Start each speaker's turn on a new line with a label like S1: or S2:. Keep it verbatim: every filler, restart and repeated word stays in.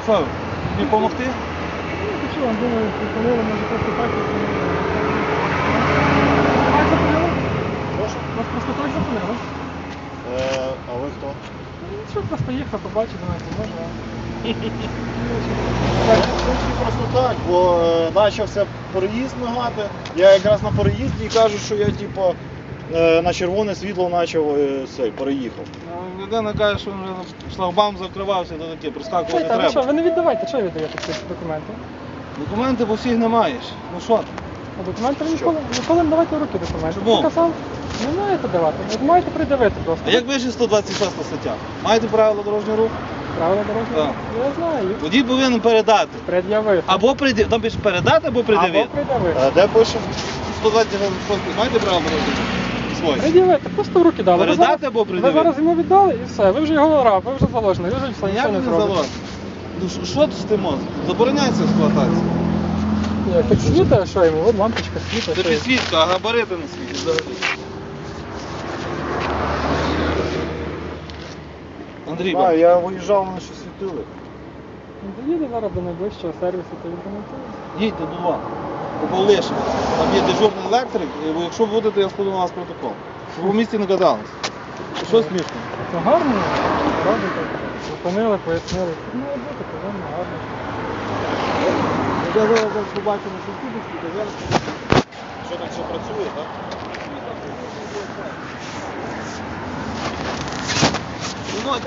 S1: Що, тобі допомогти?
S2: Ну, то що, думаю, приколили, може просто так. Так запалили?
S3: Прошу?
S2: Вас просто так запалили?
S3: Е, а ви хто?
S2: Ну, що, просто їхав, побачив, думаю, може.
S3: Просто так, бо е, почався переїзд мигати. Я якраз на переїзді і кажу, що я типу, е, на червоне світло почав е, цей, переїхав.
S1: Ну, людина каже, що вже шлагбаум закривався, то таке, проскакувати
S2: Чуєте, ви що,
S1: треба.
S2: ви не віддавайте, що ви віддаєте ці документи?
S1: Документи по всіх не маєш. Ну що ти?
S2: А документи ви
S3: Що?
S2: ніколи, ніколи не давайте в руки документи.
S1: Чому?
S2: Показав, не маєте давати, ви маєте придивити просто.
S1: А як вище сто двадцять шоста стаття? Маєте правила дорожнього руху?
S2: Правила дорожнього
S1: Так.
S2: руху? Я знаю.
S1: Водій повинен передати.
S2: Пред'явити.
S1: Або придивити. Там пише передати, або
S2: Або
S1: придивити.
S2: пред'явити.
S3: Е, де пише?
S1: сто двадцять шоста маєте правила дорожнього руху? Свої.
S2: Пред'явити, просто в руки дали. Ви
S1: Передати
S2: зараз-
S1: або
S2: Ви
S1: пред'явити?
S2: зараз йому віддали і все, ви вже його раб, ви вже заложений, ви вже все,
S1: Як
S2: нічого не
S1: не
S2: зробите.
S1: залог? Ну що- що тут з тим мозком? Забороняється експлуатація.
S2: Ні, так світа, що йому, от лампочка світа.
S1: Це
S2: що йому.
S1: підсвітка, а габарити не світять взагалі. Андрій,
S3: А, я виїжджав, вони що світили.
S2: Ну, доїде зараз до найближчого сервісу, то відремонтує.
S1: їдьте до два. По Павлишину. Там є дежурний електрик, і якщо будете, я складу на вас протокол. Щоб ви в місті не катались. Що смішно?
S2: Це гарно, робите, зупинили, пояснили. Тут має бути, повинно, гарно.
S1: Я зараз побачу на сусідівській, то зараз...
S3: Що там все працює, так?
S1: Ну,